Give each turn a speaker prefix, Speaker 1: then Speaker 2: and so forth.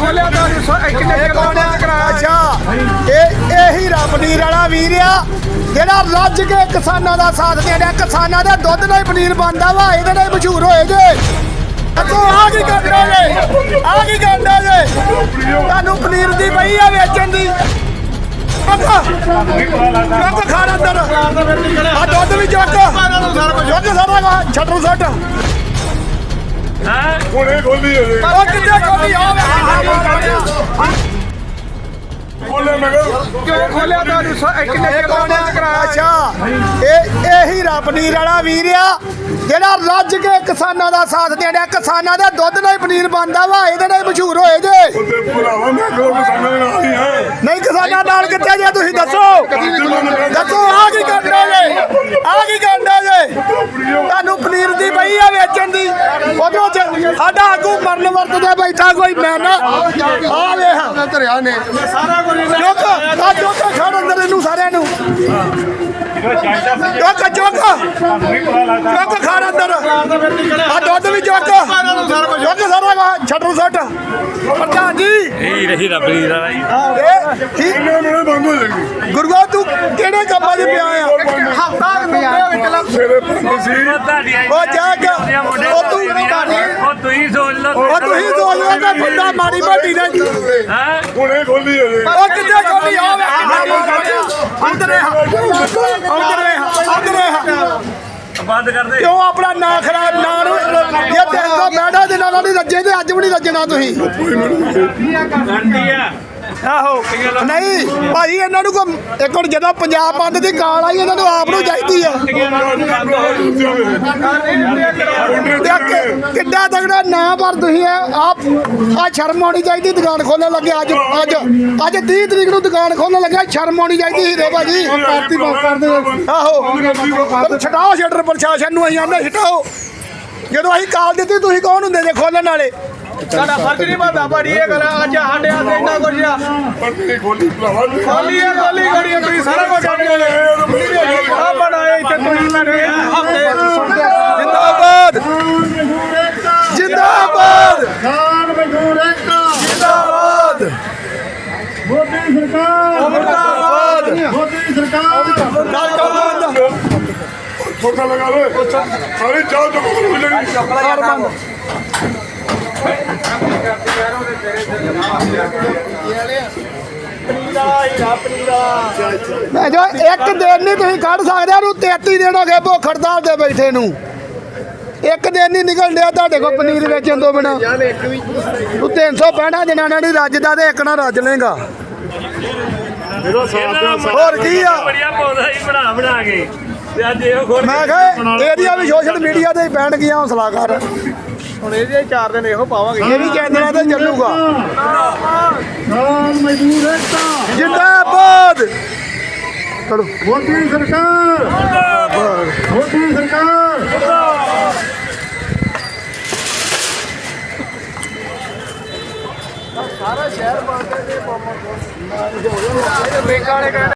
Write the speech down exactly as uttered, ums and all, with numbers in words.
Speaker 1: ਖੋਲਿਆ ਤਾਂ
Speaker 2: ਅੱਛਾ ਇਹ ਇਹੀ ਰੱਬ ਨੀਰ ਵਾਲਾ ਵੀਰ ਆ ਜਿਹੜਾ ਰੱਜ ਕੇ ਕਿਸਾਨਾਂ ਦਾ ਸਾਥ ਦੇ ਰਿਹਾ। ਕਿਸਾਨਾਂ ਦੇ ਦੁੱਧ ਨਾਲ ਹੀ ਪਨੀਰ ਬਣਦਾ ਵਾ, ਇਹਦੇ ਨਾਲ ਹੀ ਮਸ਼ਹੂਰ ਹੋਏ ਜੇ। ਅੱਗੋਂ ਆ ਕੀ ਕਰਦਾ ਜੇ, ਆ ਕੀ ਕਰਦਾ ਜੇ, ਤੁਹਾਨੂੰ ਪਨੀਰ ਦੀ ਪਈ ਆ ਵੇਚਣ ਦੀ। ਚੁੱਕ ਖਾਣ ਅੰਦਰ ਆ ਦੁੱਧ ਵੀ ਚੁੱਕ ਚੁੱਕ ਸਾਰਾ ਛੱਟੂ ਸੱਟ
Speaker 3: ਹੁਣੇ ਖੋਲੀ ਹੋਵੇ
Speaker 2: ਉਹ ਕਿੱਥੇ ਖੋਲੀ ਆ
Speaker 3: ਖੋਲੇ ਮੈਂ
Speaker 1: ਕਿਉਂ ਖੋਲਿਆ ਤਾਂ ਕਿੰਨੇ
Speaker 2: ਅੱਛਾ ਇਹ ਇਹੀ ਰੱਬ ਨੀਰ ਵਾਲਾ ਵੀਰ ਆ ਜਿਹੜਾ ਰੱਜ ਕੇ ਕਿਸਾਨਾਂ ਦਾ ਸਾਥ ਦੇ ਰਿਹਾ। ਕਿਸਾਨਾਂ ਦੇ ਦੁੱਧ ਨਾਲ ਹੀ ਪਨੀਰ ਬਣਦਾ ਵਾ, ਇਹਦੇ ਨਾਲ ਹੀ ਮਸ਼ਹੂਰ ਹੋਏ ਜੇ।
Speaker 3: ਉਹਦੇ ਭਰਾਵਾ ਮੈਂ ਕੋਲ ਕਿਸਾਨਾਂ ਨਾਲ ਨਹੀਂ ਹੈ
Speaker 2: ਨਹੀਂ ਕਿਸਾਨਾਂ ਨਾਲ ਕਿੱਥੇ ਜੇ ਤੁਸੀਂ ਦੱਸੋ ਦੱਸੋ ਆ ਕੀ ਕਰਦਾ ਜੇ, ਆ ਕੀ ਕਰਦਾ ਜੇ, ਤੁਹਾਨੂੰ ਪਨੀਰ ਦੀ ਪਈ ਆ ਵੇਚਣ ਦੀ। ਉਧਰੋਂ ਸਾਡਾ ਆਗੂ ਮਰਨ ਵਰਤਦਾ ਬੈਠਾ ਕੋਈ ਮੈਂ ਨਾ ਆ ਵੇਖ ਧਰਿਆ ਨੇ ਸਾਰਾ ਕੁਝ ਚੁੱਕ ਆ ਚੁੱਕ ਖੜ ਅੰਦਰ ਇਹਨੂੰ ਸਾਰਿਆਂ ਨੂੰ ਚੁੱਕ ਚੁੱਕ ਚੁੱਕ ਖੜ ਅੰਦਰ ਆ ਦੁੱਧ ਵੀ ਚੁੱਕ ਚੁੱਕ ਸਾਰਾ ਛੱਡੂ ਸੱਟ ਪ੍ਰਧਾਨ ਜੀ
Speaker 4: ਇਹੀ ਰਹੀ ਰੱਬ ਦੀ ਰਾਹ ਜੀ।
Speaker 2: ਇਹ ਕੀ
Speaker 3: ਇਹਨਾਂ ਨੂੰ ਬੰਦ ਹੋ ਜਾਏਗੀ
Speaker 2: ਗੁਰੂਆ ਤੂੰ ਕਿਹੜੇ ਕੰਮਾਂ 'ਚ ਪਿਆ ਆ
Speaker 3: ਸਵੇਰੇ ਬੰਦ ਸੀ
Speaker 2: ਉਹ ਜਾ ਕੇ ਉਹ ਤੂੰ
Speaker 4: ਉਹ ਤੁਸੀਂ ਸੋਚ ਲਓ
Speaker 2: ਉਹ ਤੁਸੀਂ ਸੋਚ ਲਓ ਕਿ ਬੰਦਾ ਮਾੜੀ ਮੋਟੀ ਦਾ
Speaker 4: ਹਾਂ
Speaker 3: ਹੁਣੇ ਖੋਲੀ ਹੋਵੇ
Speaker 2: ਉਹ ਕਿੱਥੇ ਖੋਲੀ ਆ ਅੰਦਰੇ ਅੰਦਰੇ ਅੰਦਰੇ
Speaker 4: ਬੰਦ ਕਰ ਦੇ
Speaker 2: ਕਿਉਂ ਆਪਣਾ ਨਾਂ ਖਰਾਬ ਨਾਂ ਨੂੰ ਇਹ ਤਿੰਨ ਸੌ ਬੈਠਾ ਦੇ ਨਾਲ ਨਹੀਂ ਰੱਜੇ ਤੇ ਅੱਜ ਵੀ ਨਹੀਂ ਰੱਜਣਾ ਤੁਸੀਂ
Speaker 4: ਗਾਂਧੀ ਆ
Speaker 2: ਆਹੋ ਨਹੀਂ ਭਾਈ ਇਹਨਾਂ ਨੂੰ ਕੋ ਇੱਕ ਹੁਣ ਜਦੋਂ ਪੰਜਾਬ ਬੰਦ ਦੀ ਗਾਲ ਆਈ ਇਹਨਾਂ ਨੂੰ ਆਪ ਨੂੰ ਚਾਹੀਦੀ ਆ ਕਿੱਡਾ ਤਗੜਾ ਨਾ ਪਰ ਤੁਸੀਂ ਆਪ ਆ ਸ਼ਰਮ ਆਉਣੀ ਚਾਹੀਦੀ ਦੁਕਾਨ ਖੋਲਣ ਲੱਗੇ। ਅੱਜ ਅੱਜ ਅੱਜ ਤੀਹ ਤਰੀਕ ਨੂੰ ਦੁਕਾਨ ਖੋਲਣ ਲੱਗਾ, ਸ਼ਰਮ ਆਉਣੀ ਚਾਹੀਦੀ ਹੀਰੇ ਭਾਜੀ। ਆਹੋ ਛਡਾਓ ਸ਼ਟਰ ਪ੍ਰਸ਼ਾਸਨ ਨੂੰ, ਅਸੀਂ ਆਂਦੇ ਛਡਾਓ। ਜਦੋਂ ਅਸੀਂ ਕਾਲ ਦਿੱਤੀ ਤੁਸੀਂ ਕੌਣ ਹੁੰਦੇ ਜੇ ਖੋਲਣ ਵਾਲੇ?
Speaker 1: ਸਾਡਾ ਫਰਜ਼ ਨਹੀਂ ਬਣਦਾ ਭਾਜੀ ਇਹ ਗੱਲ। ਅੱਜ ਸਾਡੇ ਹੱਥ ਇੰਨਾ ਕੁਝ ਆ
Speaker 3: ਪੱਟੀ ਖੋਲੀ ਭਰਾਵਾ
Speaker 1: ਖੋਲੀ ਹੈ ਖੋਲੀ ਗੜੀ ਤੁਸੀਂ ਸਾਰਾ ਕੁਝ ਆ ਬਣਾਏ ਇੱਥੇ ਤੁਸੀਂ ਮੇਰੇ ਹਫਤੇ
Speaker 2: ਜਿੰਦਾਬਾਦ ਜਿੰਦਾਬਾਦ
Speaker 3: ਖਾਨ ਮਜ਼ਦੂਰ ਏਕਤਾ
Speaker 2: ਜਿੰਦਾਬਾਦ
Speaker 3: ਮੋਦੀ ਸਰਕਾਰ
Speaker 2: ਮੁਰਦਾਬਾਦ
Speaker 3: ਮੋਦੀ ਸਰਕਾਰ
Speaker 2: ਗੱਲ ਕਰ ਬੰਦ
Speaker 3: ਛੋਟਾ ਲਗਾ ਵੇ ਸਾਰੇ ਚਾਹ ਚੁੱਕ ਕੇ ਮਿਲਣਗੇ
Speaker 2: ਕਰ ਬੰਦ ਮੈਂ ਜੋ ਇੱਕ ਦਿਨ ਨਹੀਂ ਤੁਸੀਂ ਕੱਢ ਸਕਦੇ ਉਹਨੂੰ ਤੇਤੀ ਦਿਨ ਹੋ ਗਏ ਭੁੱਖ ਹੜਤਾਲ ਤੇ ਬੈਠੇ ਨੂੰ। ਇੱਕ ਦਿਨ ਨਹੀਂ ਨਿਕਲ ਡਿਆ ਤੁਹਾਡੇ ਕੋਲ ਪਨੀਰ ਵੇਚਣ ਤੋਂ ਬਿਨਾ। ਤੂੰ ਤਿੰਨ ਸੌ ਪੈਂਹਠ ਦਿਨਾਂ ਨਾਲ ਨਹੀਂ ਰੱਜਦਾ ਤੇ ਇੱਕ ਨਾ ਰੱਜ ਲੇਗਾ। ਹੋਰ ਕੀ ਆ
Speaker 4: ਬੜੀਆ ਪੌਦਾ ਹੀ ਬਣਾ ਬਣਾ ਕੇ ਤੇ ਅੱਜ ਇਹੋ ਖੋਲ
Speaker 2: ਮੈਂ ਕਿਹਾ ਇਹਦੀਆਂ ਵੀ ਸੋਸ਼ਲ ਮੀਡੀਆ ਤੇ ਹੀ ਪੈਣ ਗਈਆਂ। ਹੌਸਲਾ ਕਰ,
Speaker 1: ਹੁਣ ਇਹਦੇ ਚਾਰ ਦਿਨ ਇਹੋ ਪਾਵਾਂਗੇ।
Speaker 2: ਇਹ ਵੀ ਕੇਂਦਰਾਂ ਤੇ ਚੱਲੂਗਾ।
Speaker 3: ਖਾਨ ਮਜ਼ਦੂਰ ਏਕਤਾ
Speaker 2: ਜਿੰਦਾਬਾਦ ਚਲੋ
Speaker 3: ਮੋਦੀ ਸਰਕਾਰ ਮੋਦੀ ਸਰਕਾਰ
Speaker 1: ਸਾਰਾ ਸ਼ਹਿਰ ਬੰਦ ਹੈ।